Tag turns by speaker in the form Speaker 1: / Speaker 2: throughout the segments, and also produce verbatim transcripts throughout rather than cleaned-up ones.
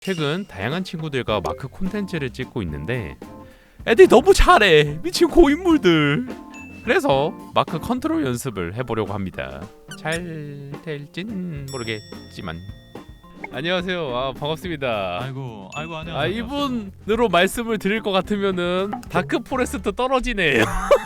Speaker 1: 최근 다양한 친구들과 마크 콘텐츠를 찍고 있는데 애들이 너무 잘해. 미친 고인물들. 그래서 마크 컨트롤 연습을 해보려고 합니다. 잘 될진 모르겠지만. 안녕하세요. 아 반갑습니다.
Speaker 2: 아이고 아이고 안녕.
Speaker 1: 아 이분으로 말씀을 드릴 것 같으면은 다크 포레스트 떨어지네요.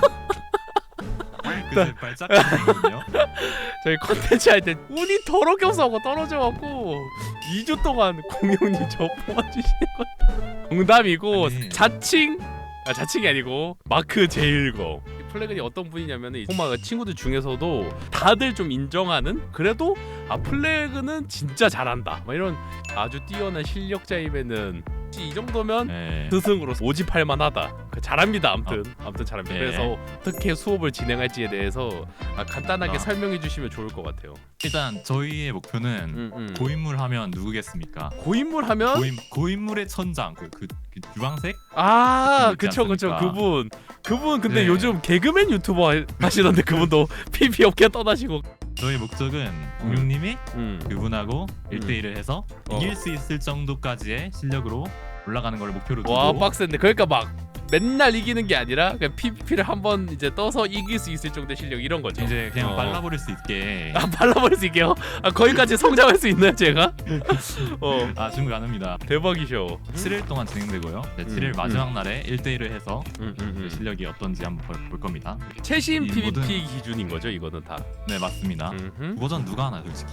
Speaker 2: 그제 발작이거든요.
Speaker 1: 저희 컨텐츠 할 때 운이 더럽게 없어하고 떨어져갖고 이 주 동안 공룡님 저 뽑아주시는 거 농담이고.
Speaker 2: 아니.
Speaker 1: 자칭 아 자칭이 아니고 마크 제일거 플래그이 어떤 분이냐면은 호마가 친구들 중에서도 다들 좀 인정하는, 그래도 아 플래그는 진짜 잘한다 막 이런 아주 뛰어난 실력자임에는 이 정도면
Speaker 2: 네.
Speaker 1: 스승으로 오집할만하다. 잘합니다. 아무튼 아무튼 잘합니다.
Speaker 2: 네.
Speaker 1: 그래서 어떻게 수업을 진행할지에 대해서 아, 간단하게
Speaker 2: 아.
Speaker 1: 설명해 주시면 좋을 것 같아요.
Speaker 2: 일단 저희의 목표는
Speaker 1: 음, 음.
Speaker 2: 고인물 하면 누구겠습니까?
Speaker 1: 고인물 하면
Speaker 2: 고인 고인물의 천장 그, 그, 그 주황색?
Speaker 1: 아
Speaker 2: 있지
Speaker 1: 그쵸 그쵸
Speaker 2: 않습니까?
Speaker 1: 그분 그분 근데
Speaker 2: 네.
Speaker 1: 요즘 개그맨 유튜버 하- 하시던데 그분도 피비 업계 떠나시고.
Speaker 2: 저희 목적은 공룡님이
Speaker 1: 음.
Speaker 2: 그분하고 일대일을 해서
Speaker 1: 어.
Speaker 2: 이길 수 있을 정도까지의 실력으로 올라가는 걸 목표로 두고.
Speaker 1: 와 빡센데. 그러니까 막 맨날 이기는 게 아니라 그냥 피비피를 한번 이제 떠서 이길 수 있을 정도의 실력 이런 거죠.
Speaker 2: 이제 그냥
Speaker 1: 어.
Speaker 2: 발라버릴 수 있게.
Speaker 1: 아 발라버릴 수 있게요? 아 거기까지 성장할 수 있나요 제가? 어
Speaker 2: 아 충분 가능합니다.
Speaker 1: 대박이셔.
Speaker 2: 칠 일 동안 진행되고요. 네,
Speaker 1: 음,
Speaker 2: 칠 일
Speaker 1: 음.
Speaker 2: 마지막 날에 일대일을 해서
Speaker 1: 음, 음,
Speaker 2: 그
Speaker 1: 음.
Speaker 2: 실력이 어떤지 한번 볼, 볼 겁니다.
Speaker 1: 최신
Speaker 2: 이
Speaker 1: 피비피
Speaker 2: 모든-
Speaker 1: 기준인 거죠 이거는 다.
Speaker 2: 네 맞습니다.
Speaker 1: 음흠.
Speaker 2: 그 버전 누가 하나 솔직히.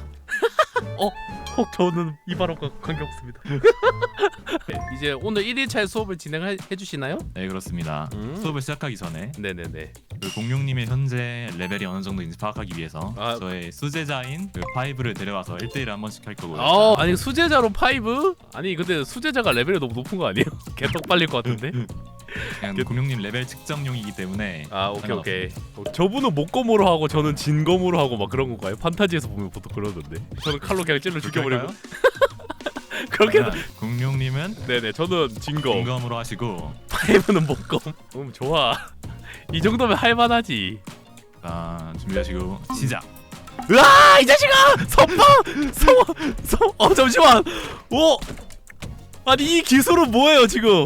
Speaker 1: 혹 저는 이 발언과 관계없습니다. 네, 이제 오늘 일 일차 수업을 진행해 주시나요?
Speaker 2: 네 그렇습니다.
Speaker 1: 음.
Speaker 2: 수업을 시작하기 전에
Speaker 1: 네네네.
Speaker 2: 그 공룡님의 현재 레벨이 어느 정도인지 파악하기 위해서
Speaker 1: 아.
Speaker 2: 저의 수제자인 그 파이브를 데려와서 일 대일을 한 번씩 할 거고요.
Speaker 1: 어 아니 수제자로 파이브? 아니 근데 수제자가 레벨이 너무 높은 거 아니에요? 개떡 빨릴 것 같은데?
Speaker 2: 그냥
Speaker 1: 그-
Speaker 2: 공룡님 레벨 측정용이기 때문에.
Speaker 1: 아 오케이
Speaker 2: 상관없습니다.
Speaker 1: 오케이. 어, 저분은 목검으로 하고 저는 진검으로 하고 막 그런 건가요? 판타지에서 보면 보통 그러던데. 저는 칼로 그냥 찔러 죽여버리고.
Speaker 2: 그럴까요?
Speaker 1: 그렇게.
Speaker 2: 그러면 공룡님은
Speaker 1: 네네 저는 진검.
Speaker 2: 진검으로 하시고.
Speaker 1: 파이브는 목검. 음 좋아. 이 정도면 할만하지.
Speaker 2: 자 준비하시고 시작.
Speaker 1: 으아 이 자식아! 선방! 성어! 성... 어 잠시만! 오! 아니 이 기술은 뭐예요 지금?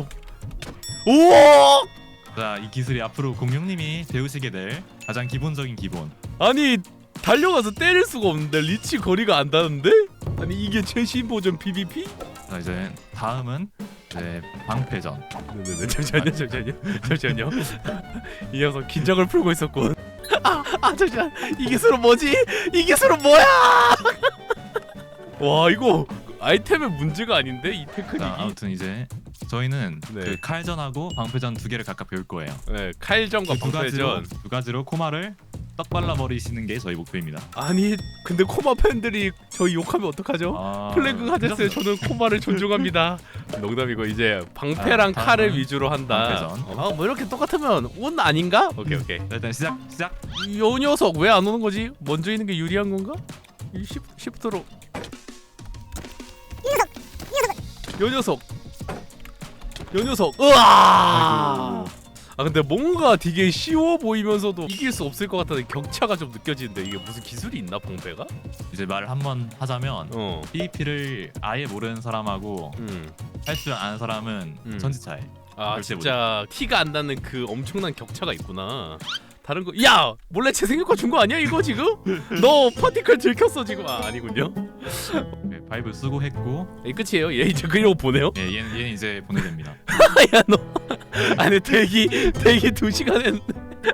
Speaker 1: 오!
Speaker 2: 자 이 기술이 앞으로 공룡님이 배우시게 될 가장 기본적인 기본.
Speaker 1: 아니 달려가서 때릴 수가 없는데 리치 거리가 안 닿는데? 아니 이게 최신 버전 피비피?
Speaker 2: 자 이제 다음은 이제 방패전.
Speaker 1: 네네네 잠시만요 잠시만요 잠시만요. 이 녀석 긴장을 풀고 있었군. 아, 아 잠시만 이 기술은 뭐지? 이 기술은 뭐야? 와 이거 아이템의 문제가 아닌데 이 테크닉이.
Speaker 2: 자 아무튼 이제 저희는
Speaker 1: 네.
Speaker 2: 그 칼전하고 방패전 두 개를 각각 배울 거예요.
Speaker 1: 네 칼전과
Speaker 2: 그 두 가지로
Speaker 1: 방패전.
Speaker 2: 두 가지로 코마를 떡 발라 버리시는 게 저희 목표입니다.
Speaker 1: 아니 근데 코마 팬들이 저희 욕하면 어떡하죠?
Speaker 2: 아,
Speaker 1: 플래그 하셨어요. 저는 코마를 존중합니다. 농담이고 이제 방패랑
Speaker 2: 아,
Speaker 1: 칼을
Speaker 2: 다음은
Speaker 1: 위주로 한다.
Speaker 2: 방패전.
Speaker 1: 아 뭐 이렇게 똑같으면 운 아닌가? 오케이 오케이.
Speaker 2: 자, 일단 시작 시작.
Speaker 1: 이 녀석 왜 안 오는 거지? 먼저 있는 게 유리한 건가? 이 십, 십트로. 요 녀석. 요 녀석. 으아!
Speaker 2: 아이고.
Speaker 1: 아 근데 뭔가 되게 쉬워 보이면서도 이길 수 없을 것 같다는 격차가 좀 느껴지는데 이게 무슨 기술이 있나 방패가?
Speaker 2: 이제 말을 한번 하자면
Speaker 1: 어.
Speaker 2: 피비피를 아예 모르는 사람하고
Speaker 1: 음.
Speaker 2: 할 줄 아는 사람은
Speaker 1: 음.
Speaker 2: 천지 차이.
Speaker 1: 아
Speaker 2: 절대
Speaker 1: 진짜 티가 안 나는 그 엄청난 격차가 있구나. 다른 거, 야 몰래 재생효과 준 거 아니야 이거 지금? 너 파티클 들켰어 지금. 아 아니군요.
Speaker 2: 네, 바이브 쓰고 했고.
Speaker 1: 이 끝이에요. 얘 이제 그려고 보내요?
Speaker 2: 예, 얘는, 얘는 이제 보내됩니다.
Speaker 1: 야 너, 아니 대기 대기 두 시간 했는데.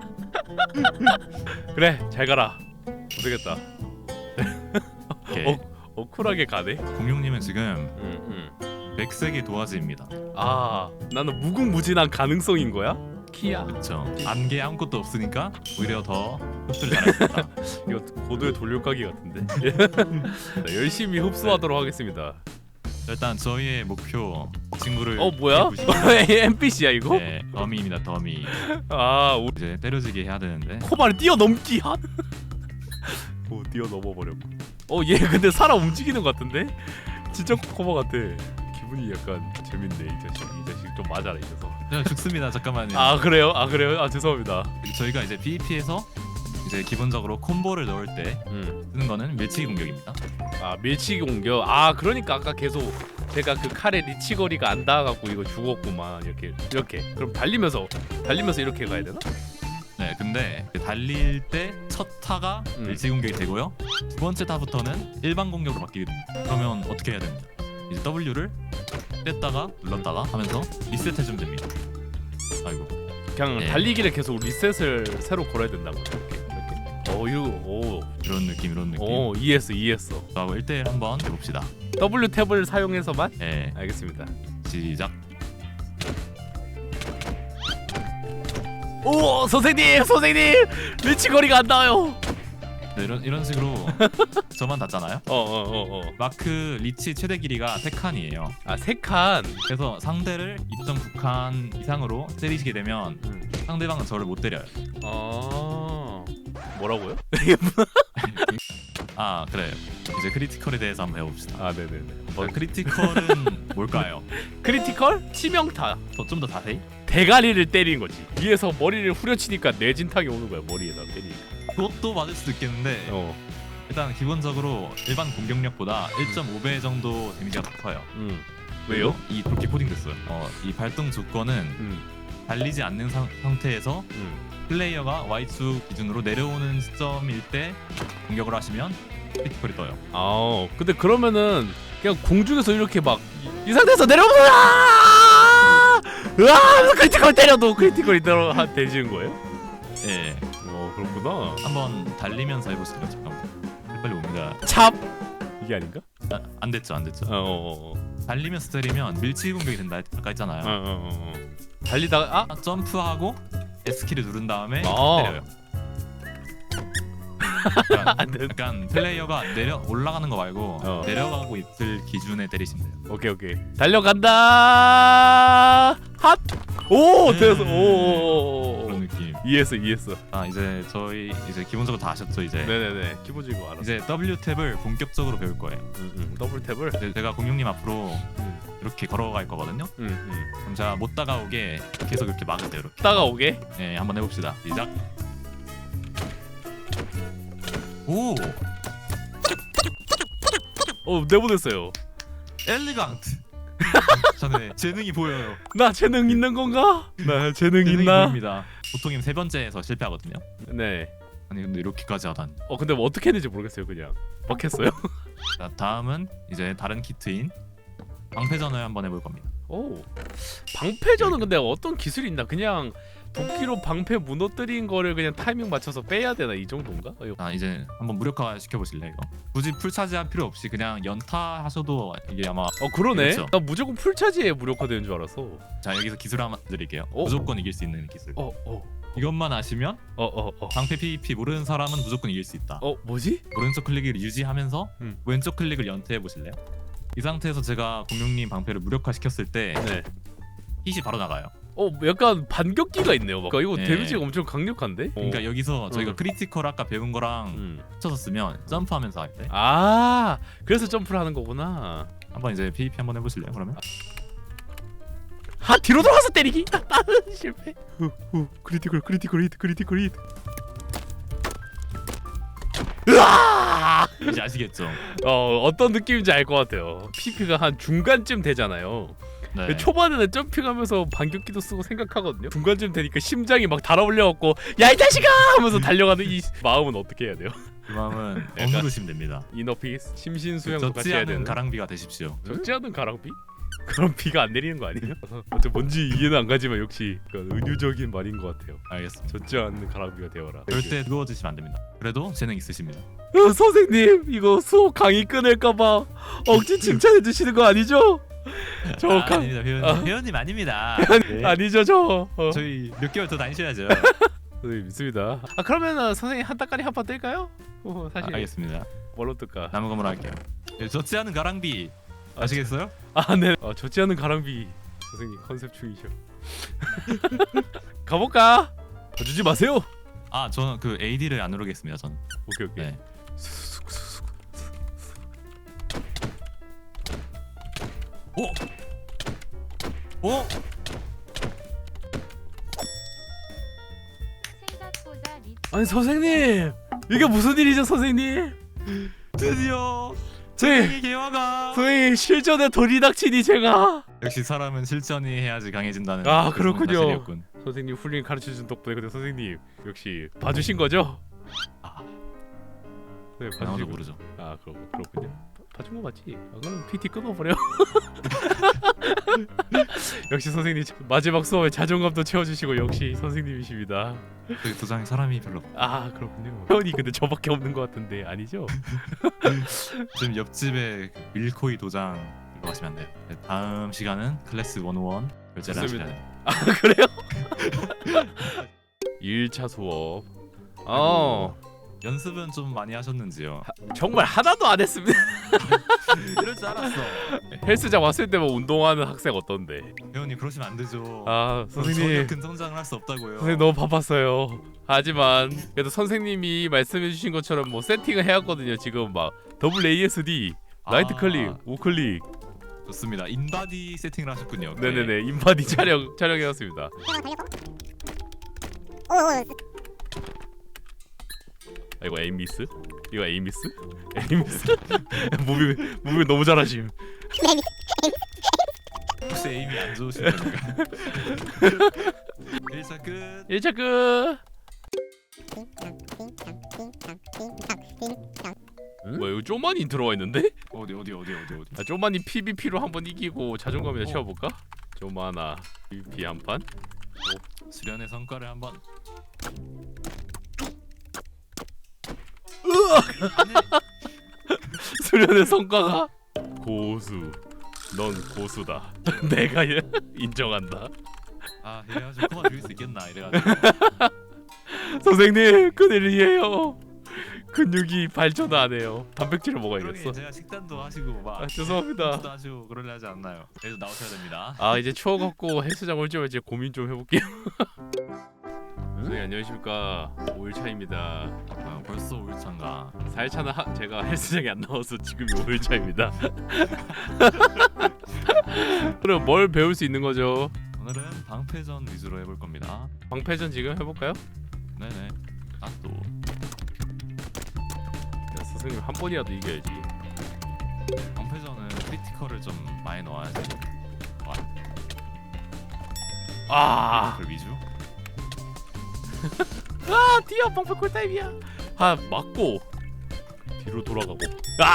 Speaker 1: 그래 잘 가라. 못되겠다.
Speaker 2: 오케이.
Speaker 1: 어, 어 쿨하게 가네.
Speaker 2: 공룡님은 지금
Speaker 1: 음, 음.
Speaker 2: 백색의 도화지입니다.
Speaker 1: 아 나는 무궁무진한 가능성인 거야? 키야.
Speaker 2: 그렇죠. 안개 아무것도 없으니까 오히려 더 흡수를 잘하겠다.
Speaker 1: 이거 고도의 돌려가기 같은데. 네, 열심히 흡수하도록 하겠습니다.
Speaker 2: 일단 저희의 목표 친구를
Speaker 1: 어 뭐야?
Speaker 2: 해보시고.
Speaker 1: 엔피씨야 이거?
Speaker 2: 네, 더미입니다. 더미.
Speaker 1: 아 우리
Speaker 2: 이제 때려지게 해야 되는데.
Speaker 1: 코바를 뛰어넘기 한? 오 뛰어넘어 버렸고. 어얘 근데 살아 움직이는 것 같은데? 진짜 코바 같아. 기분이 약간 재밌네 이 자식. 이 자식 좀 맞아라 이 녀석.
Speaker 2: 그냥 죽습니다. 잠깐만요.
Speaker 1: 아 그래요? 아 그래요? 아 죄송합니다.
Speaker 2: 저희가 이제 피비피에서 이제 기본적으로 콤보를 넣을 때
Speaker 1: 음.
Speaker 2: 쓰는 거는 밀치기 공격입니다.
Speaker 1: 아 밀치기 공격. 아 그러니까 아까 계속 내가 그 칼에 리치거리가 안 닿아갖고 이거 죽었구만. 이렇게 이렇게. 그럼 달리면서 달리면서 이렇게 가야 되나?
Speaker 2: 네, 근데 달릴 때 첫 타가
Speaker 1: 음.
Speaker 2: 일시 공격이 되고요. 두 번째 타부터는 일반 공격으로 바뀌게 됩니다. 그러면 어떻게 해야 됩니다? 이제 W를 뗐다가 눌렀다가 하면서 리셋해주면 됩니다. 아이고.
Speaker 1: 그냥
Speaker 2: 네.
Speaker 1: 달리기를 계속 리셋을 새로 걸어야 된다고. 이렇게 이렇게. 어 이거 오.
Speaker 2: 이런 느낌, 이런 느낌.
Speaker 1: 오 이해했어 이해했어.
Speaker 2: 하고 일 대일 한번 해봅시다.
Speaker 1: W 탭을 사용해서만?
Speaker 2: 네,
Speaker 1: 알겠습니다.
Speaker 2: 시작.
Speaker 1: 오 선생님 선생님 리치거리가 안 나와요.
Speaker 2: 네, 이런 이런 식으로 저만 닿잖아요.
Speaker 1: 어어어 어, 어.
Speaker 2: 마크 리치 최대 길이가 세 칸이에요.
Speaker 1: 아세 칸.
Speaker 2: 그래서 상대를 이 점 구 칸 이상으로 때리시게 되면
Speaker 1: 음.
Speaker 2: 상대방은 저를 못 때려요.
Speaker 1: 아 뭐라고요?
Speaker 2: 아 그래요. 이제 크리티컬에 대해서 한번 해봅시다.
Speaker 1: 아 네네네.
Speaker 2: 뭐 크리티컬은 뭘까요?
Speaker 1: 크리티컬 치명타.
Speaker 2: 좀 더 자세히?
Speaker 1: 대가리를 때리는 거지. 위에서 머리를 후려치니까 뇌진탕이 오는 거야 머리에다 때리니까.
Speaker 2: 그것도 맞을 수도 있겠는데
Speaker 1: 어.
Speaker 2: 일단 기본적으로 일반 공격력보다 일 점 오 배 정도 데미지가 더 커요.
Speaker 1: 음. 왜요?
Speaker 2: 이 그렇게 코딩됐어요. 어, 이 발동 조건은
Speaker 1: 음.
Speaker 2: 달리지 않는 상, 상태에서
Speaker 1: 음.
Speaker 2: 플레이어가 Y축 기준으로 내려오는 시점일 때 공격을 하시면 크리티컬이 떠요.
Speaker 1: 아 근데 그러면은 그냥 공중에서 이렇게 막 이 상태에서 내려오면 으아! 으아! 크리티컬 때려도 크리티컬이 들어 한 되지는 거예요?
Speaker 2: 예.
Speaker 1: 어 그렇구나.
Speaker 2: 한번 달리면서 해보실래요? 잠깐만. 빨리 옵니다.
Speaker 1: 찹 이게 아닌가?
Speaker 2: 아, 안 됐죠, 안 됐죠.
Speaker 1: 어어어.
Speaker 2: 달리면서 때리면 밀치 공격이 된다 했- 아까 했잖아요.
Speaker 1: 어어어. 달리다가 아
Speaker 2: 아, 점프하고 S키를 누른 다음에
Speaker 1: 아.
Speaker 2: 때려요. 약간,
Speaker 1: 안 돼.
Speaker 2: 약간 플레이어가 내려 올라가는 거 말고
Speaker 1: 어.
Speaker 2: 내려가고 있을 기준에 때리시면 돼요.
Speaker 1: 오케이 오케이 달려간다. 핫. 오
Speaker 2: 음.
Speaker 1: 됐어. 오.
Speaker 2: 그런 느낌.
Speaker 1: 이해했어 이해했어.
Speaker 2: 아 이제 저희 이제 기본적으로 다 아셨죠 이제.
Speaker 1: 네네네 기본적인 거 알았어.
Speaker 2: 이제 W 탭을 본격적으로 배울 거예요.
Speaker 1: 음, 음. 더블 탭을.
Speaker 2: 이제 제가 공룡님 앞으로
Speaker 1: 음.
Speaker 2: 이렇게 걸어갈 거거든요.
Speaker 1: 음, 음.
Speaker 2: 그럼 제가 못 다가오게 계속 이렇게 막으세요. 이렇게.
Speaker 1: 따가오게.
Speaker 2: 네, 한번 해봅시다. 시작. 오,
Speaker 1: 어 내보냈어요.
Speaker 2: 엘리강트. 저는 재능이 보여요.
Speaker 1: 나 재능 있는 건가? 나 재능
Speaker 2: 재능이
Speaker 1: 있나?
Speaker 2: 보입니다. 보통이면 세 번째에서 실패하거든요.
Speaker 1: 네.
Speaker 2: 아니 근데 이렇게까지 하다니.
Speaker 1: 어 근데 뭐 어떻게 했는지 모르겠어요 그냥. 막 했어요.
Speaker 2: 자, 다음은 이제 다른 키트인 방패전을 한번 해볼 겁니다.
Speaker 1: 오. 방패전은 근데 어떤 기술이 있나? 그냥 도끼로 방패 무너뜨린 거를 그냥 타이밍 맞춰서 빼야 되나 이 정도인가? 어, 이거-
Speaker 2: 자, 이제 한번 무력화 시켜보실래요 이거? 굳이 풀 차지할 필요 없이 그냥 연타 하셔도 이게 아마.
Speaker 1: 어 그러네.
Speaker 2: 그렇죠.
Speaker 1: 나 무조건 풀차지에 무력화되는 줄 알았어.
Speaker 2: 자, 여기서 기술 하나 드릴게요.
Speaker 1: 어?
Speaker 2: 무조건 이길 수 있는 기술.
Speaker 1: 어 어.
Speaker 2: 이것만 아시면
Speaker 1: 어 어 어.
Speaker 2: 방패 피브이피 모르는 사람은 무조건 이길 수 있다.
Speaker 1: 어 뭐지?
Speaker 2: 오른쪽 클릭을 유지하면서
Speaker 1: 음.
Speaker 2: 왼쪽 클릭을 연태해 보실래요? 이 상태에서 제가 공룡님 방패를 무력화 시켰을 때
Speaker 1: 네.
Speaker 2: 힛이 바로 나가요.
Speaker 1: 어 약간 반격기가 있네요. 막. 이거
Speaker 2: 네.
Speaker 1: 데미지가 엄청 강력한데?
Speaker 2: 그러니까
Speaker 1: 어.
Speaker 2: 여기서 저희가
Speaker 1: 음.
Speaker 2: 크리티컬 아까 배운 거랑
Speaker 1: 음.
Speaker 2: 합쳐서 쓰면 점프하면서 할 때
Speaker 1: 아 그래서 점프를 하는 거구나.
Speaker 2: 한번 이제 피브이피 한번 해보실래요? 그러면
Speaker 1: 하 뒤로 돌아서 때리기. 실패. 후, 후, 크리티컬 크리티컬 히트 크리티컬 히트. 으아!
Speaker 2: 이제 아시겠죠?
Speaker 1: 어 어떤 느낌인지 알 것 같아요. 피피가 한 중간쯤 되잖아요.
Speaker 2: 네.
Speaker 1: 초반에는 점핑하면서 반격기도 쓰고 생각하거든요. 중간쯤 되니까 심장이 막 달아올려갖고 야 이 자식아 하면서 달려가는 이 마음은 어떻게 해야 돼요?
Speaker 2: 그 마음은
Speaker 1: 약간-
Speaker 2: 어누르시면 됩니다.
Speaker 1: 이너피스 심신수양도 같이
Speaker 2: 젖지
Speaker 1: 해야
Speaker 2: 않은
Speaker 1: 되는.
Speaker 2: 가랑비가 되십시오.
Speaker 1: 적지 않은 가랑비? 그럼 비가 안 내리는 거 아니에요? 어째 뭔지 이해는 안 가지만 역시 그 은유적인 말인 것 같아요.
Speaker 2: 알겠습니다.
Speaker 1: 젖지 않는 가랑비가 되어라.
Speaker 2: 절대 뜨거워지시면 안 됩니다. 그래도 재능 있으십니다.
Speaker 1: 어, 선생님 이거 수업 강의 끊을까봐 억지 칭찬해 주시는 거 아니죠? 저
Speaker 2: 아,
Speaker 1: 강...
Speaker 2: 아닙니다. 회원님,
Speaker 1: 아.
Speaker 2: 회원님 아닙니다. 네.
Speaker 1: 아니죠 저. 어.
Speaker 2: 저희 몇 개월 더 다니셔야죠.
Speaker 1: 선생님 믿습니다. 아 그러면은 선생님 한 따까리 한 판 뜰까요? 어,
Speaker 2: 아,
Speaker 1: 사실
Speaker 2: 알겠습니다.
Speaker 1: 뭘로 뜰까?
Speaker 2: 남은 건으로 할게요. 예, 젖지 않은 가랑비 아시겠어요?
Speaker 1: 아 네. 어, 젖지 않은 가랑비 선생님 컨셉 중이셔. 가볼까? 주지 마세요.
Speaker 2: 아 저는 그 에이디를 안 누르겠습니다. 전.
Speaker 1: 오케이 오케이.
Speaker 2: 네. 오. 오.
Speaker 3: 생각보다 리치
Speaker 1: 아니 선생님 이게 무슨 일이죠 선생님?
Speaker 2: 드디어
Speaker 1: 선생님
Speaker 2: 개화가.
Speaker 1: 선생님 실전에 돌이 닥치니 제가
Speaker 2: 역시 사람은 실전이 해야지 강해진다는.
Speaker 1: 아, 그렇군요.
Speaker 2: 사실이었군.
Speaker 1: 선생님 훌륭히 가르쳐준 덕분에 근데 선생님 역시 봐주신 거죠?
Speaker 2: 아,
Speaker 1: 네
Speaker 2: 아무도
Speaker 1: 봐주신
Speaker 2: 모르죠.
Speaker 1: 아 그렇 그렇군요. 봐- 봐준 거 맞지? 아, 그럼 피티 끊어버려. 역시 선생님 마지막 수업에 자존감도 채워주시고 역시 선생님이십니다.
Speaker 2: 그 도장에 사람이 별로 없-
Speaker 1: 아 그렇군요. 회원이 근데 저밖에 없는 것 같은데 아니죠?
Speaker 2: 지금 옆집에 그 밀코이 도장 일로 가시면 안 돼요. 네, 다음 시간은 클래스 백일 결제를 하셔야
Speaker 1: 좋습니다.
Speaker 2: 돼요.
Speaker 1: 아 그래요? 일 차 수업. 어
Speaker 2: 연습은 좀 많이 하셨는지요?
Speaker 1: 정말 하나도 안 했습니다.
Speaker 2: 이럴 줄 알았어.
Speaker 1: 헬스장 왔을 때만 운동하는 학생 어떤데?
Speaker 2: 회원님 그러시면 안 되죠.
Speaker 1: 아
Speaker 2: 전혀
Speaker 1: 선생님
Speaker 2: 큰 성장을 할 수 없다고요.
Speaker 1: 선생님 너무 바빴어요. 하지만 그래도 선생님이 말씀해주신 것처럼 뭐 세팅을 해왔거든요. 지금 막 더블 에이에스디, 라이트
Speaker 2: 아,
Speaker 1: 클릭, 우클릭,
Speaker 2: 좋습니다. 인바디 세팅을 하셨군요.
Speaker 1: 네네네 인바디 촬영 촬영해왔습니다. 아, 이거 에임 미스? 이거 에임 미스? 에임 미스? 무빙 무빙 너무 잘하심.
Speaker 2: 혹시 에임이 안 좋으신 겁니까? 일 차 끝.
Speaker 1: 일 차 끝. 뭐야 이거 쪼만이 들어와 있는데?
Speaker 2: 어디 어디 어디 어디 어디.
Speaker 1: 아, 쪼만이 피브이피로 한번 이기고 자존감이나 채워볼까? 쪼만아 피브이피 한 판?
Speaker 2: 수련의 성과를 한번.
Speaker 1: 수련의 성과가 고수. 넌 고수다. 내가 얘- 인정한다.
Speaker 2: 아 이래가지고 그만 줄일 수 있겠나 이래가지고.
Speaker 1: 선생님 큰일이에요. 근육이 발전 안 해요. 단백질을 먹어야겠어.
Speaker 2: 그러게 제가 식단도 하시고 막.
Speaker 1: 아, 죄송합니다.
Speaker 2: 식단도 하시고 그러려 하지 않나요? 그래도 나오셔야 됩니다.
Speaker 1: 아 이제 추억 없고 헬스장 올지 말지 고민 좀 해볼게요. 선생님 안녕하십니까. 오 일 차입니다.
Speaker 2: 아, 벌써 오 일 차인가.
Speaker 1: 사 일 차는 하, 제가 헬스장에 안 나와서 지금이 오 일 차입니다. 그럼 뭘 배울 수 있는 거죠?
Speaker 2: 오늘은 방패전 위주로 해볼 겁니다.
Speaker 1: 방패전 지금 해볼까요?
Speaker 2: 네네. 아 또.
Speaker 1: 야, 선생님 한 번이라도 이겨야지.
Speaker 2: 방패전은 크리티컬을 좀 많이 넣어야지.
Speaker 1: 아,
Speaker 2: 그 위주?
Speaker 1: 아 뛰어 방패 꿀타임이야. 아 맞고 뒤로 돌아가고. 아,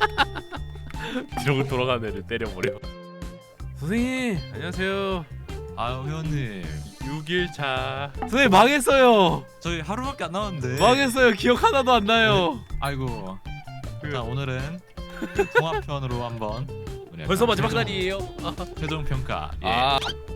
Speaker 1: 뒤로 돌아가는 애를 때려버려. 선생님 안녕하세요.
Speaker 2: 아유 회원님.
Speaker 1: 육 일 차. 선생님 망했어요.
Speaker 2: 저희 하루밖에 안 남았는데.
Speaker 1: 망했어요. 기억 하나도 안 나요.
Speaker 2: 아이고.
Speaker 1: 그-
Speaker 2: 자 오늘은 통합편으로 한번. 우리
Speaker 1: 벌써
Speaker 2: 약간
Speaker 1: 마지막
Speaker 2: 최종-
Speaker 1: 날이에요. 아,
Speaker 2: 최종 평가. 예.
Speaker 1: 아.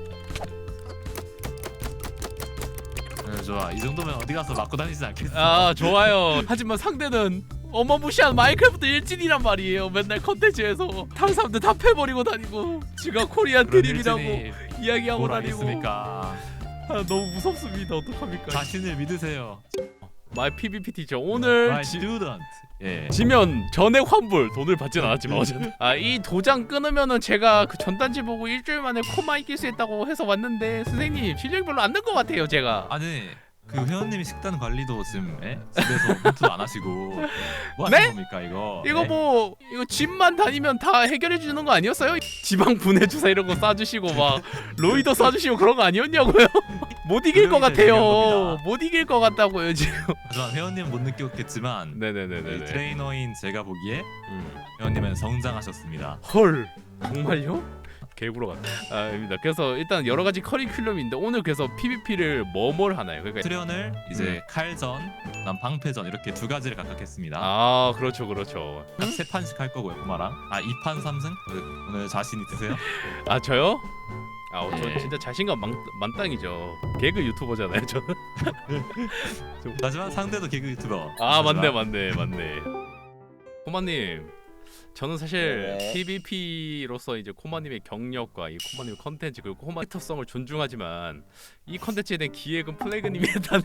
Speaker 2: 네, 좋아. 이 정도면 어디 가서 맞고 다니지 않겠어.
Speaker 1: 아 좋아요. 하지만 상대는 어마무시한 마인크래프트 일진이란 말이에요. 맨날 컨텐츠에서 다른 사람들 다 패버리고 다니고 지가 코리안
Speaker 2: 그런
Speaker 1: 드림이라고
Speaker 2: 일진이
Speaker 1: 이야기하고
Speaker 2: 뭘
Speaker 1: 다니고.
Speaker 2: 알겠습니까?
Speaker 1: 아, 너무 무섭습니다. 어떡합니까?
Speaker 2: 자신을 믿으세요.
Speaker 1: 마이 피브이피 티처 오늘
Speaker 2: My
Speaker 1: 지,
Speaker 2: student. 예.
Speaker 1: 지면 전액 환불. 돈을 받진 않았지만 어쨌든 아이 도장 끊으면은 제가 그 전단지 보고 일주일 만에 코마 이길 수 있다고 해서 왔는데 선생님 실력이 별로 안 는 것 같아요 제가.
Speaker 2: 아니 그 회원님이 식단 관리도 지금 예? 집에서 홈트도 안 하시고 뭐 하시는
Speaker 1: 네?
Speaker 2: 겁니까 이거?
Speaker 1: 이거
Speaker 2: 예?
Speaker 1: 뭐 이거 집만 다니면 다 해결해 주는 거 아니었어요? 지방 분해 주사 이런 거 쏴주시고 막 로이더 쏴주시고 그런 거 아니었냐고요? 못 이길 것
Speaker 2: 그러기
Speaker 1: 같아요.
Speaker 2: 때문에
Speaker 1: 못 이길 것 같다고요 지금.
Speaker 2: 하지만 회원님은 못 느꼈겠지만 이
Speaker 1: 네네네네.
Speaker 2: 트레이너인 제가 보기에
Speaker 1: 음.
Speaker 2: 회원님은 성장하셨습니다.
Speaker 1: 헐 정말요? 개구로 같다. 아닙니다. 그래서 일단 여러 가지 커리큘럼인데 오늘 그래서 피브이피를 뭐뭘 하나요? 그러니까
Speaker 2: 트레언을 이제 칼전, 그다음 방패전 이렇게 두 가지를 각각 했습니다.
Speaker 1: 아 그렇죠 그렇죠.
Speaker 2: 각 세 판씩 할 거고요, 코마랑. 아, 이 판 삼 승? 오늘 자신 있으세요?
Speaker 1: 아 저요? 아, 어, 저
Speaker 2: 네.
Speaker 1: 진짜 자신감 만, 만땅이죠. 개그 유튜버잖아요, 저는.
Speaker 2: 하지만 상대도 개그 유튜버.
Speaker 1: 아, 맞네,
Speaker 2: 하지만
Speaker 1: 맞네, 맞네. 코마님, 저는 사실
Speaker 3: 네.
Speaker 1: 피브이피로서 이제 코마님의 경력과 이 코마님의 컨텐츠 그리고 코마 캐릭터성을 존중하지만 이 컨텐츠에 대한 기획은 플래그님이 했다는.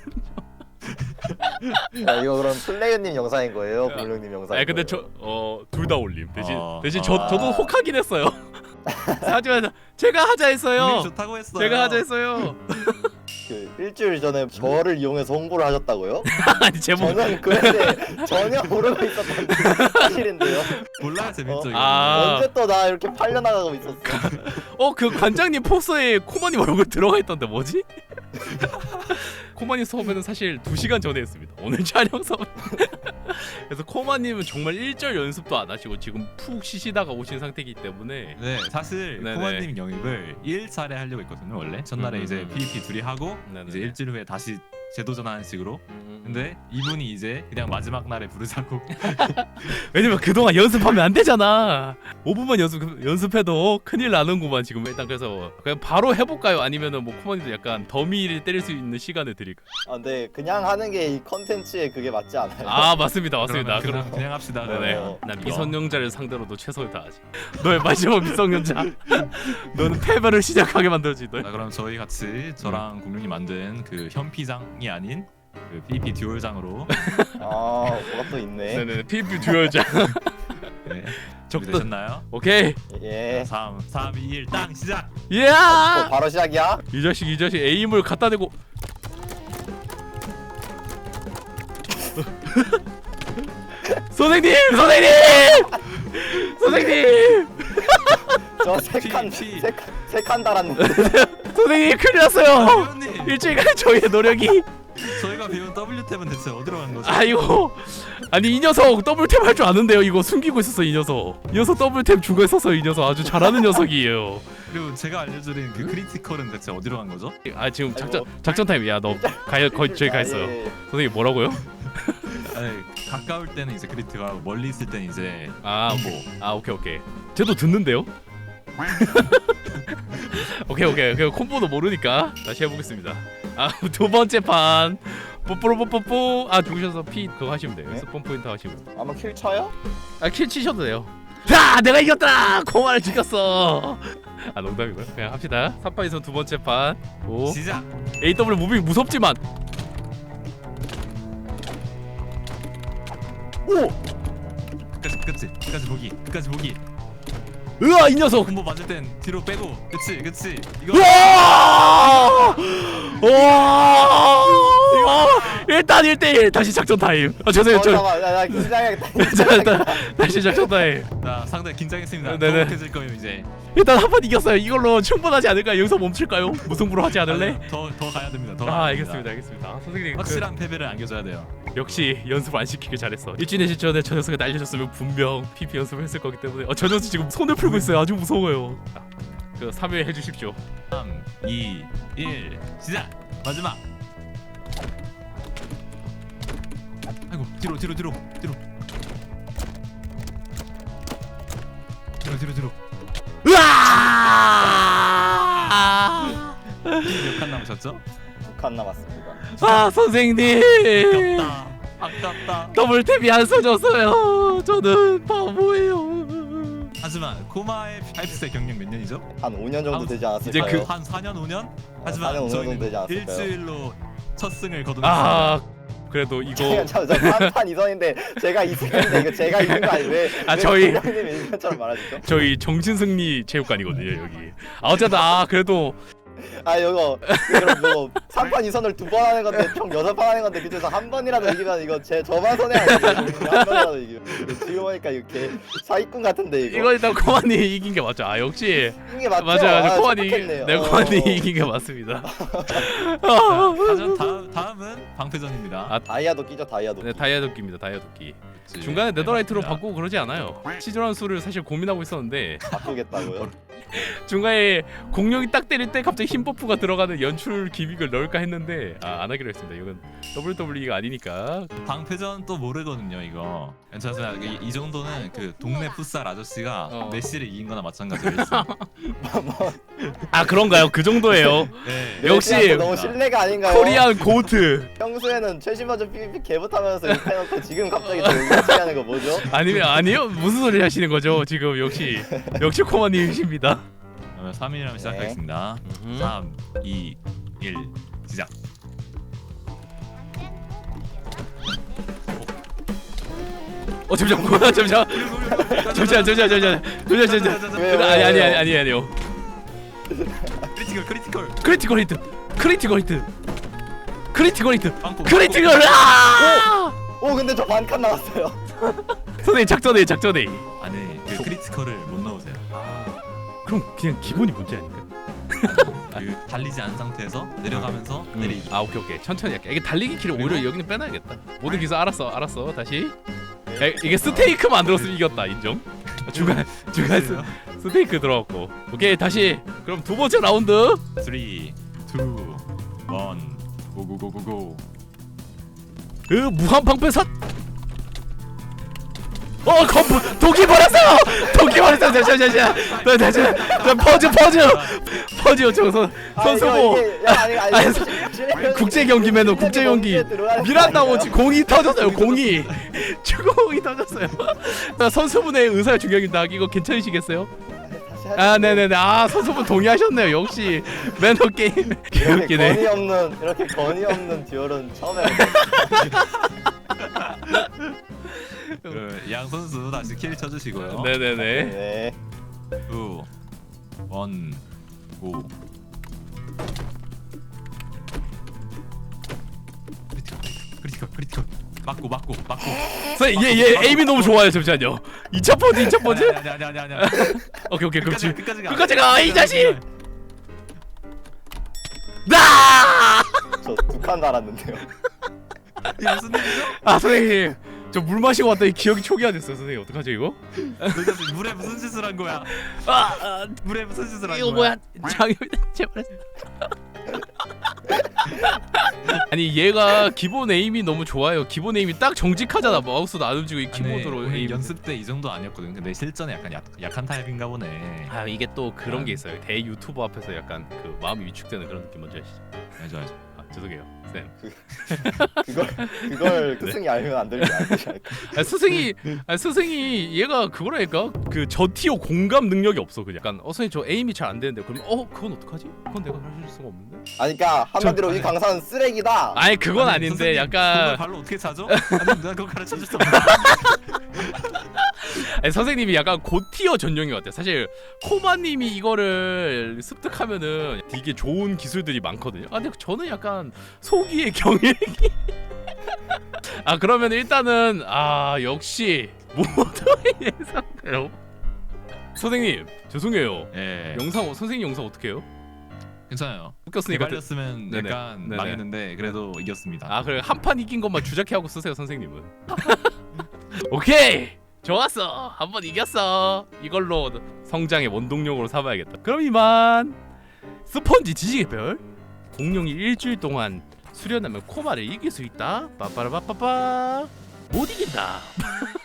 Speaker 3: 야, 이거 그럼 플레이어님 영상인 거예요? 블루님 영상인
Speaker 1: 아, 근데
Speaker 3: 거예요?
Speaker 1: 저 어 둘 다 올림. 대신
Speaker 2: 어,
Speaker 1: 대신
Speaker 2: 어.
Speaker 1: 저 저도 혹하긴 했어요. 하지만 제가 하자
Speaker 2: 분명히
Speaker 1: 했어요.
Speaker 2: 좋다고 했어요.
Speaker 1: 제가 하자 했어요.
Speaker 3: 그 일주일 전에 저를 이용해서 홍보를 하셨다고요?
Speaker 1: 아니 제목
Speaker 3: 저는 그런데 전혀 모르고 있었던 사실인데요.
Speaker 2: 몰라야 재밌죠
Speaker 3: 어?
Speaker 2: 이거.
Speaker 1: 아.
Speaker 3: 언제 또 나 이렇게 팔려나가고 있었어?
Speaker 1: 어 그 관장님 포스에 코마님 얼굴 들어가 있던데 뭐지? 코마님 수업에는 사실 두 시간 전에 했습니다. 오늘 촬영 수업. 그래서 코마님은 정말 일절 연습도 안 하시고 지금 푹 쉬시다가 오신 상태이기 때문에
Speaker 2: 네, 사실
Speaker 1: 네네.
Speaker 2: 코마님 영입을 일 차례 하려고 했거든요 원래. 첫날에
Speaker 1: 음,
Speaker 2: 이제
Speaker 1: 음, 음.
Speaker 2: 피브이피 둘이 하고
Speaker 1: 네네.
Speaker 2: 이제 일주일 후에 다시 재도전하는 식으로.
Speaker 1: 음,
Speaker 2: 근데 이분이 이제 그냥 마지막 날에 부르자고.
Speaker 1: 왜냐면 그동안 연습하면 안 되잖아. 오 분만 연습 연습해도 큰일 나는구만 지금. 일단 그래서 그냥 바로 해볼까요? 아니면은 뭐 코마님도 약간 더미를 때릴 수 있는 시간을 드릴까?
Speaker 3: 아, 근데 그냥 하는 게 이 컨텐츠에 그게 맞지 않아요?
Speaker 1: 아 맞습니다, 맞습니다.
Speaker 2: 그러면 그냥,
Speaker 1: 그럼
Speaker 2: 그냥 합시다.
Speaker 1: 네네.
Speaker 2: 그러면.
Speaker 3: 어.
Speaker 1: 난
Speaker 2: 이거.
Speaker 1: 미성년자를 상대로도 최선을 다하지. 너의 마지막 미성년자. 너는 패배를 시작하게 만들지. 너.
Speaker 2: 자, 그럼 저희 같이 저랑
Speaker 1: 음.
Speaker 2: 공룡이 만든 그 현피장이 아닌 그 피브이피 듀얼장으로
Speaker 3: 아, 뭐가 또 있네.
Speaker 1: 네네. 피브이 듀얼자.
Speaker 2: 네.
Speaker 1: 적도.
Speaker 2: 준비되셨나요?
Speaker 1: 오케이.
Speaker 3: 예.
Speaker 2: 삼, 삼, 이, 일, 땅 시작!
Speaker 3: 또
Speaker 1: 이야.
Speaker 3: 바로 시작이야?
Speaker 1: 이 자식 이 자식 에임을 갖다 대고. 선생님, 선생님, 선생님,
Speaker 3: 저 세칸
Speaker 2: 피, 피.
Speaker 3: 세칸 세칸 달았는데.
Speaker 1: 선생님 큰일 났어요.
Speaker 2: 회원님!
Speaker 1: 일주일간 저희의 노력이.
Speaker 2: 저희가 배운 더블유 탭은 대체 어디로 간 거죠?
Speaker 1: 아이고. 아니 이 녀석 더블 탭 할 줄 아는데요. 이거 숨기고 있었어 이 녀석. 이 녀석 더블 탭 중간에 썼어 이 녀석. 아주 잘하는 녀석이에요.
Speaker 2: 그리고 제가 알려드린 그 크리티컬은 대체 어디로 간 거죠?
Speaker 1: 아 지금 작전
Speaker 3: 아이고.
Speaker 1: 작전 타임. 야너 가요 거의 저희 가
Speaker 3: 아,
Speaker 1: 있어요.
Speaker 3: 예, 예.
Speaker 1: 선생님 뭐라고요?
Speaker 2: 아니, 가까울 때는 이제 크리티컬하고 멀리 있을 때는 이제
Speaker 1: 아,
Speaker 2: 뭐
Speaker 1: 아 오케이 오케이. 쟤도 듣는데요? 오케이 오케이. 그 콤보도 모르니까 다시 해보겠습니다. 아 두 번째 판. 뽀뽀로뽀뽀뽀. 아 죽으셔서 피 그거 하시면 돼요.
Speaker 3: 네?
Speaker 1: 스폰 포인트 하시면 돼요.
Speaker 3: 아마 킬 쳐요?
Speaker 1: 아킬 치셔도 돼요. 자 내가 이겼다. 코마를 죽였어. 아 농담이고요. 그냥 합시다. 삼 판에서 두 번째 판. 오.
Speaker 2: 시작!
Speaker 1: 에이더블유 무빙 무섭지만. 오.
Speaker 2: 끝까지 끝까지 끝까지 보기 끝까지 보기.
Speaker 1: 으아 이 녀석.
Speaker 2: 콤보 맞을 땐 뒤로 빼고. 그치 그치 이거.
Speaker 1: 우와! 우와! 일단 일 대일 다시 작전 타임. 아 죄송해요.
Speaker 3: 어,
Speaker 1: 저
Speaker 3: 잠깐만, 나, 나 긴장해야겠다.
Speaker 1: 자, 일단 다시 작전 타임.
Speaker 2: 자 상대 긴장했습니다.
Speaker 1: 네네.
Speaker 2: 더욱해질 거예요 이제.
Speaker 1: 일단 한 번 이겼어요. 이걸로 충분하지 않을까요? 여기서 멈출까요? 무승부로 하지 않을래?
Speaker 2: 더더 가야 됩니다. 더
Speaker 1: 아
Speaker 2: 가야
Speaker 1: 알겠습니다.
Speaker 2: 됩니다.
Speaker 1: 알겠습니다. 아, 선생님
Speaker 2: 확실한 패배를 안겨줘야 돼요.
Speaker 1: 그, 역시 연습을 안 시키길 잘했어. 일주일 전에 저 녀석을 날려줬으면 분명 피피 연습을 했을 거기 때문에 어, 저 녀석 지금 손을 풀고 있어요. 아주 무서워요. 자, 그 삼 회 해주십시오.
Speaker 2: 삼, 이, 일 시작! 마지막! 아이고 뒤로 뒤로 뒤로 뒤로 뒤로 뒤로 뒤로.
Speaker 1: 으아!
Speaker 2: 몇 칸 남으셨죠?
Speaker 3: 두 칸 남았습니다.
Speaker 1: 아 선생님.
Speaker 2: 아깝다 아깝다.
Speaker 1: 더블 탭이 안 써졌어요. 저는 바보예요.
Speaker 2: 하지만 코마의 파이프스의 경력 몇 년이죠?
Speaker 3: 한 오 년 정도
Speaker 2: 아,
Speaker 3: 되지 않았을까요?
Speaker 1: 이제 그-
Speaker 2: 한 사 년 오 년?
Speaker 3: 사
Speaker 2: 하지만
Speaker 3: 년, 오 년 정도 되지
Speaker 2: 저희는
Speaker 3: 않았을까요?
Speaker 2: 일주일로 첫 승을 거둔.
Speaker 1: 아 그래도 이거
Speaker 3: 저저삼판 이선인데 제가 이승인데 이거 제가 이긴 거 아니 왜?
Speaker 1: 아,
Speaker 3: 왜
Speaker 1: 저희-
Speaker 3: 공룡님이 이긴 것처럼 말하시죠?
Speaker 1: 저희 정신승리 체육관이거든요 여기. 아 어쨌든 아 그래도
Speaker 3: 아 이거 그럼 뭐 삼판 이선을 두 번 하는 건데 총 여섯 판 하는 건데 그중에서 한 번이라도 이기면 이거 제 저만 손해 아니에요? 한 번이라도 이기면 지금 보니까 이렇게 사기꾼 같은데 이거.
Speaker 1: 이거 일단 코만이 이긴 게 맞죠. 아 역시
Speaker 3: 이긴 게 맞죠?
Speaker 1: 맞아 맞아
Speaker 3: 아,
Speaker 1: 코만이
Speaker 3: 착각했네요.
Speaker 1: 네
Speaker 3: 어,
Speaker 1: 코만이
Speaker 3: 어.
Speaker 1: 이긴 게 맞습니다.
Speaker 2: 하지만 다음 다음은 방패전입니다.
Speaker 1: 아,
Speaker 3: 다이아도 끼죠 다이아도.
Speaker 1: 네 다이아도끼입니다 다이아도끼.
Speaker 2: 그치.
Speaker 1: 중간에
Speaker 2: 네,
Speaker 1: 네더라이트로
Speaker 2: 맞습니다.
Speaker 1: 바꾸고 그러지 않아요. 시즌 수를 사실 고민하고 있었는데
Speaker 3: 바꾸겠다고요?
Speaker 1: 중간에 공룡이 딱 때릴 때 갑자기 힘 버프가 들어가는 연출 기믹을 넣을까 했는데 아, 안 하기로 했습니다. 이건 더블유더블유이가 아니니까.
Speaker 2: 방패전 또 모르거든요 이거. 괜찮아요. 이, 이 정도는 그 동네 풋살 아저씨가
Speaker 1: 어.
Speaker 2: 메시를 이긴 거나 마찬가지예요.
Speaker 1: 아 그런가요? 그 정도예요.
Speaker 2: 네.
Speaker 1: 역시
Speaker 3: 메시한테 너무 신뢰가 아닌가요?
Speaker 1: 코리안 고트.
Speaker 3: 평소에는 최신 버전 피브이피 개부타면서 이렇게 해놓고 지금 갑자기 또 이렇게 하는 거 뭐죠?
Speaker 1: 아니면 아니요 무슨 소리 하시는 거죠? 지금 역시 역시 코마님이십니다.
Speaker 2: 그러면 삼 일이라면 시작하겠습니다.
Speaker 1: 음.
Speaker 2: 삼, 이, 일 시작.
Speaker 1: 어 잠시만 잠시만 잠시만 잠시만 잠시만 잠시만 잠시만 잠시만
Speaker 3: 왜요,
Speaker 1: 아니 아니
Speaker 3: 왜요?
Speaker 1: 아니 아니 아니요.
Speaker 2: 크리티컬 크리티컬
Speaker 1: 크리티컬 히트 크리티컬 히트 크리티컬 히트
Speaker 2: 빵꾸
Speaker 1: 크리티컬. 아!
Speaker 3: 오 근데 저 반 칸 나왔어요.
Speaker 1: 선생님 작전해 작전해.
Speaker 2: 아니 그 크리티컬을 못 넣으세요.
Speaker 1: 그럼 그냥 기본이 문제 아닌가?
Speaker 2: 그 달리지 않은 상태에서 내려가면서 내리.
Speaker 1: 아 오케이 오케이 천천히 할게. 이게 달리기 키를 오히려 여기는 빼놔야겠다. 모든 기술 알았어 알았어 다시. 야, 이게 스테이크 만들었으면 이겼다 인정. 중간 중간 스, 스테이크 들어갔고. 오케이 다시. 그럼 두 번째 라운드.
Speaker 2: 삼, 이, 일, 고고고고고.
Speaker 1: 으 무한 방패사. 어 컴프 독이 버렸어요. 독이 버렸어요. 잠시만 잠시만. 잠시만. 퍼즈 퍼즈 퍼즈 저선 선수고. 아니, 국제 경기 매너 국제 경기 미란다고 지금 공이 터졌어요. 공이 축구공이 터졌어요. 선수분의 의사가 중요합니다. 이거 괜찮으시겠어요? 아 네네네. 아 선수분 동의하셨네요. 역시 매너 게임
Speaker 3: 이렇게
Speaker 1: 개웃기네.
Speaker 3: 건이 없는 이렇게 건이 없는 듀얼은 처음에.
Speaker 2: 그, 양 선수 다시 킬 쳐주시고요.
Speaker 1: 네네네.
Speaker 3: 네.
Speaker 2: 이, 일, 고. 크리티컬 크리티컬 크리티컬. 맞고 맞고 맞고.
Speaker 1: 선생님 얘얘 에임이 너무 좋아요. 잠시만요. 이 차 포즈 이 차 포즈.
Speaker 2: 아니 아니 아니 아니. 아니.
Speaker 1: 오케이 오케이 그럼 지금
Speaker 2: 끝까지 가.
Speaker 1: 끝까지 가 이 자식. 나.
Speaker 3: 저 두 칸 달았는데요.
Speaker 2: 이게 무슨 일이죠?
Speaker 1: 아 선생님 저 물 마시고 왔더니 기억이 초기화됐어요. 선생님 어떡하죠 이거?
Speaker 2: 너 자식 물에 무슨 짓을 한 거야?
Speaker 1: 아, 아
Speaker 2: 물에 무슨 짓을 한
Speaker 1: 이거
Speaker 2: 거야?
Speaker 1: 뭐야? 장염이 제발. 아니 얘가 기본 에임이 너무 좋아요. 기본 에임이 딱 정직하잖아. 마우스도 안 움직이고 이 키보드로
Speaker 2: 아니,
Speaker 1: 에임.
Speaker 2: 연습 때 이 정도 아니었거든. 근데 실전에 약간 약, 약한 타입인가 보네.
Speaker 1: 아 이게 또 그런 게 있어요. 대 유튜버 앞에서 약간 그 마음이 위축되는 그런 느낌 뭔지 아시죠?
Speaker 2: 알죠 알죠.
Speaker 1: 아 죄송해요 쌤.
Speaker 3: 그걸 그걸 스승이 알면 안 되는 게 아니지 않을까.
Speaker 1: 아, 스승이 아, 스승이 얘가 그거라니까 그 저티어 공감 능력이 없어. 그냥 약간 어 선생님 저 에임이 잘 안 되는데 그러면 어 그건 어떡하지? 그건 내가 가르칠 수가 없는데.
Speaker 3: 아니 그러니까 한마디로
Speaker 2: 저-
Speaker 3: 이 강사는 쓰레기다.
Speaker 1: 아니 그건
Speaker 2: 아니,
Speaker 1: 아닌데
Speaker 2: 선생님, 그걸
Speaker 1: 약간
Speaker 2: 발로 어떻게 차죠? 아니 난 그거 가르쳐 줄 수 없어.
Speaker 1: 아니, 선생님이 약간 고티어 전용인 것 같아요. 사실 코마님이 이거를 습득하면은 되게 좋은 기술들이 많거든요. 아 근데 저는 약간 소기의 경일기. 아 그러면 일단은 아 역시 모두의 예상대로. 선생님 죄송해요.
Speaker 2: 예.
Speaker 1: 영상 선생님 영상 어떻게 해요?
Speaker 2: 괜찮아요.
Speaker 1: 웃겼으니까.
Speaker 2: 개발렸으면
Speaker 1: 네네.
Speaker 2: 약간
Speaker 1: 네네.
Speaker 2: 망했는데 그래도 이겼습니다.
Speaker 1: 아 그래 한 판 이긴 것만 주작해 하고 쓰세요 선생님은. 오케이 좋았어 한 번 이겼어. 이걸로 성장의 원동력으로 삼아야겠다. 그럼 이만 스펀지 지지개별 공룡이 일주일 동안 수련하면 코마를 이길 수 있다. 빠빠라빠빠빠 못 이긴다.